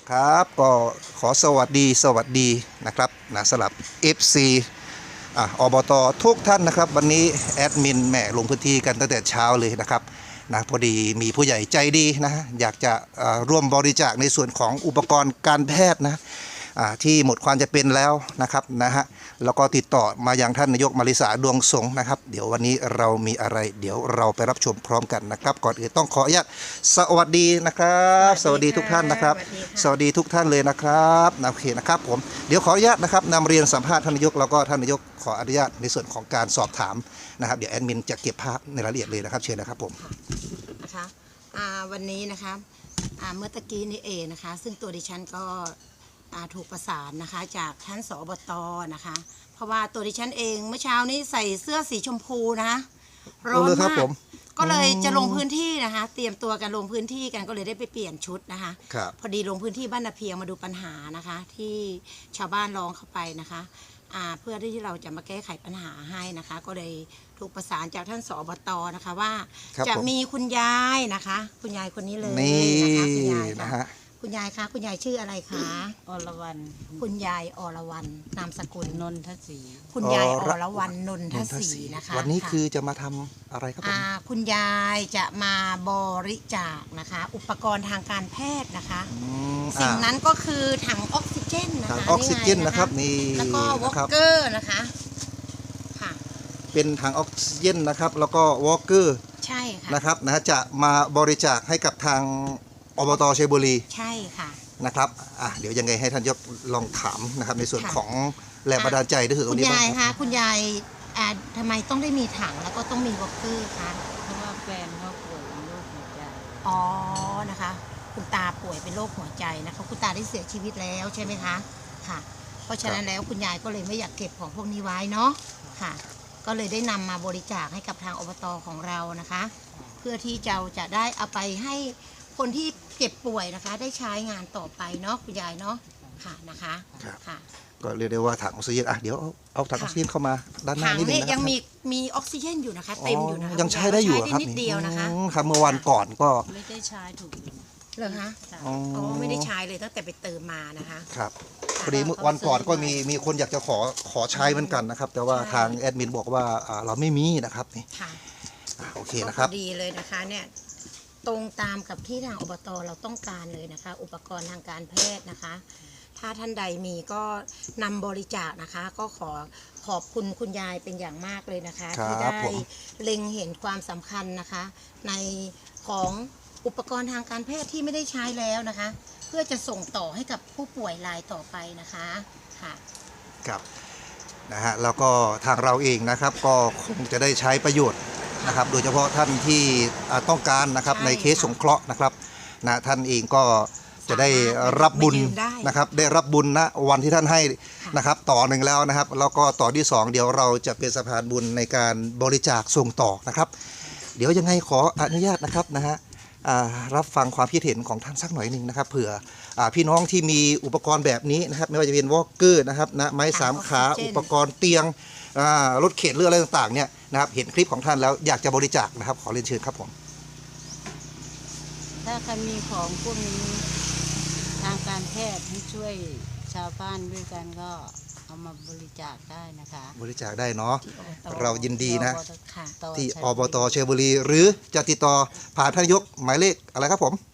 ครับก็ขอสวัสดีนะครับนะสำหรับ FC อบตทุกท่านนะครับวันนี้แอดมินแหม่ลงพื้นที่กันตั้งแต่เช้าเลยนะครับนะพอดีมีผู้ใหญ่ใจดีนะอยากจะร่วมบริจาคในส่วนของอุปกรณ์การแพทย์นะที่หมดความจะเป็นแล้วนะครับนะฮะแล้วก็ติดต่อมายังท่านนายกมาริสาดวงสงฆ์นะครับเดี๋ยววันนี้เรามีอะไรเดี๋ยวเราไปรับชมพร้อมกันนะครับก่อนอื่นต้องขออนุญาตสวัสดีนะครับสวัสดีทุกท่านนะครับสวัสดีทุกท่านเลยนะครับโอเคนะครับผมเดี๋ยวขออนุญาตนะครับนำเรียนสัมภาษณ์ท่านนายกแล้วก็ท่านนายกขออนุญาตในส่วนของการสอบถามนะครับเดี๋ยวแอดมินจะเก็บภาพในรายละเอียดเลยนะครับเชิญนะครับผมนะคะวันนี้นะคะเมื่อตะกี้นี้เองนะคะซึ่งตัวดิฉันก็ถูกประสานนะคะจากท่านสอบตนะคะเพราะว่าตัวดิฉันเองเมื่อเช้านี้ใส่เสื้อสีชมพูนะคะร้อนมากก็เลยจะลงพื้นที่นะคะเตรียมตัวกันลงพื้นที่กันก็เลยได้ไปเปลี่ยนชุดนะคะพอดีลงพื้นที่บ้านนาเพียงมาดูปัญหานะคะที่ชาวบ้านร้องเข้าไปนะคะเพื่อที่เราจะมาแก้ไขปัญหาให้นะคะก็เลยถูกประสานจากท่านสอบตนะคะว่าจะมีคุณยายนะคะคุณยายคนนี้เลยนะคะคุณยายค่ะคุณยายคะคุณยายชื่ออะไรคะอรวรรณคุณยายอรวรรณนามสกุลนนทศรีคุณยายอรวรรณนนทศรีนะคะวันนี้คือจะมาทำอะไรครับผมคุณยายจะมาบริจาคนะคะอุปกรณ์ทางการแพทย์นะคะสิ่งนั้นก็คือถังออกซิเจนนะคะถังออกซิเจนนะครับนี่แล้วก็วอล์กเกอร์นะคะค่ะเป็นถังออกซิเจนนะครับแล้วก็วอล์กเกอร์ใช่ค่ะนะครับนะจะมาบริจาคให้กับทางอบตชัยบุรีใช่ค่ะนะครับเดี๋ยวยังไงให้ท่านยกลองถามนะครับในส่วนของแรงบันดาลใจที่ถือตรงนี้บ้างคุณยายคะคุณยายทำไมต้องได้มีถังแล้วก็ต้องมีวอล์กเกอร์คะเพราะว่าแฟนเขาป่วยเป็นโรคหัวใจอ๋อนะคะคุณตาป่วยเป็นโรคหัวใจนะคะคุณตาได้เสียชีวิตแล้วใช่ไหมคะค่ะเพราะฉะนั้นแล้วคุณยายก็เลยไม่อยากเก็บของพวกนี้ไว้เนาะค่ะก็เลยได้นำมาบริจาคให้กับทางอบตของเรานะคะเพื่อที่จะได้เอาไปให้คนที่เจ็บป่วยนะคะได้ใช้งานต่อไปเนาะคุณยายเนาะค่ะนะคะค่ะก็เรียกได้ว่าถังออกซิเจนเดี๋ยวเอาถังออกซิเจนเข้ามาด้านหน้านิดนึงนะครับยังมีออกซิเจนอยู่นะคะเต็มอยู่นะคะยังใช้ได้อยู่ครับนิดเดียวนะคะครับเมื่อวันก่อนก็ไม่ได้ใช้ถูกเหรอคะอ๋อไม่ได้ใช้เลยตั้งแต่ไปเติมมานะคะครับพอดีวันก่อนก็มีคนอยากจะขอใช้เหมือนกันนะครับแต่ว่าทางแอดมินบอกว่าเราไม่มีนะครับนี่โอเคนะครับดีเลยนะคะเนี่ยตรงตามกับที่ทางอบตเราต้องการเลยนะคะอุปกรณ์ทางการแพทย์นะคะถ้าท่านใดมีก็นำบริจาคนะคะก็ขอบคุณคุณยายเป็นอย่างมากเลยนะคะที่ได้เล็งเห็นความสำคัญนะคะในของอุปกรณ์ทางการแพทย์ที่ไม่ได้ใช้แล้วนะคะเพื่อจะส่งต่อให้กับผู้ป่วยรายต่อไปนะคะค่ะครับนะฮะแล้วก็ทางเราเองนะครับก็คงจะได้ใช้ประโยชน์นะครับโดยเฉพาะท่านที่ต้องการนะครับในเคสสงเคราะห์นะครับนะท่านเองก็จะได้รับบุญนะครับได้รับบุญณวันที่ท่านให้นะครับต่อหนึ่งแล้วนะครับแล้วก็ต่อที่2เดี๋ยวเราจะเป็นสะพานบุญในการบริจาคส่งต่อนะครับเดี๋ยวยังไงขออนุญาตนะครับนะฮะรับฟังความคิดเห็นของท่านสักหน่อยหนึ่งนะครับเผื่อพี่น้องที่มีอุปกรณ์แบบนี้นะครับไม่ว่าจะเป็นวอล์กเกอร์นะครับนะไม้3ขาอุปกรณ์เตียงรถเข็นเรืออะไรต่างๆเนี่ยนะครับเห็นคลิปของท่านแล้วอยากจะบริจาคนะครับขอเรียนเชิญครับผมถ้าใครมีของพวกนี้ทางการแพทย์ให้ช่วยชาวบ้านด้วยกันก็เอามาบริจาคได้นะคะบริจาคได้เนาะเรายินดีนะที่อบตชัยบุรีหรือจะติดต่อผ่านท่านนายกหมายเลขอะไรครับผม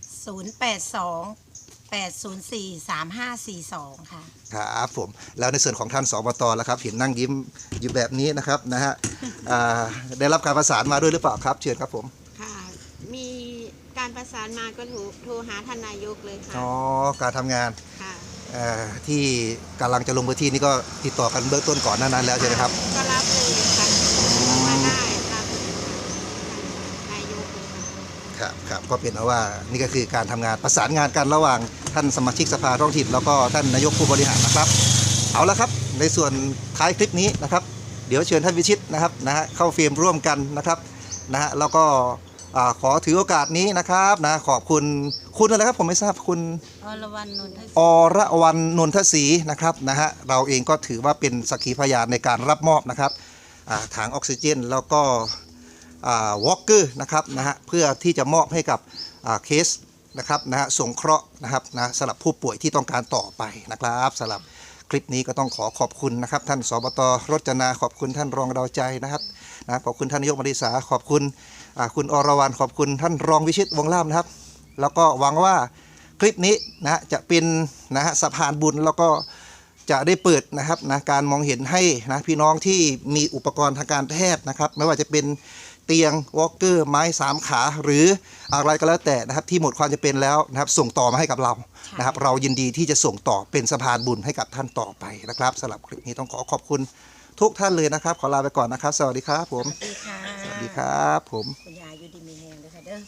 082-804-3542ค่ะครับผมแล้วในส่วนของท่านสอบตแล้วครับเห็นนั่งยิ้มอยู่แบบนี้นะครับนะฮะได้รับการประสานมาด้วยหรือเปล่าครับเชิญครับผมค่ะมีการประสานมาก็โทรหาท่านนายกเลยค่ะอ๋อการทำงานค่ะที่กำลังจะลงพื้นที่นี่ก็ติดต่อกันเบื้องต้นก่อนหน้านั้นแล้วใช่ไหมครับก็รับเลยค่ะมาได้รับนายกเลยค่ะครับก็เป็นว่านี่ก็คือการทำงานประสานงานกันระหว่างท่านสมาชิกสภาท้องถิ่นแล้วก็ท่านนายกผู้บริหารนะครับเอาละครับในส่วนท้ายคลิปนี้นะครับเดี๋ยวเชิญท่านวิชิตนะครับเข้าเฟรมร่วมกันนะครับแล้วก็ขอถือโอกาสนี้นะครับขอบคุณอะไรครับผมไม่ทราบคุณอรวรรณนนทศรีนนทศรีนะครับเราเองก็ถือว่าเป็นสักขีพยานในการรับมอบนะครับถังออกซิเจนแล้วก็วอล์กเกอร์นะครับเพื่อที่จะมอบให้กับเคสนะครับนะฮะสงเคราะห์นะครับนะสำหรับผู้ป่วยที่ต้องการต่อไปนะครับสำหรับคลิปนี้ก็ต้องขอขอบคุณนะครับท่านสบต.รจนาขอบคุณท่านรองดาวใจนะครับนะขอบคุณท่านนายกมริษาขอบคุณคุณอรวรรณขอบคุณท่านรองวิชิตวงศ์ล่ามนะครับ แล้วก็หวังว่าคลิปนี้นะฮะจะเป็นนะฮะสะพานบุญแล้วก็จะได้เปิดนะครับนะการมองเห็นให้นะพี่น้องที่มีอุปกรณ์ทางการแพทย์นะครับไม่ว่าจะเป็นเตียงวอล์กเกอร์ไม้3 ขาหรืออะไรก็แล้วแต่นะครับที่หมดความจำเป็นแล้วนะครับส่งต่อมาให้กับเรานะครับเรายินดีที่จะส่งต่อเป็นสะพานบุญให้กับท่านต่อไปนะครับสำหรับคลิปนี้ต้องขอขอบคุณทุกท่านเลยนะครับขอลาไปก่อนนะครับสวัสดีครับผมสวัสดีค่ะสวัสดีครับผมคุณยายอยู่ดีมีแรงด้วยค่ะเด้อ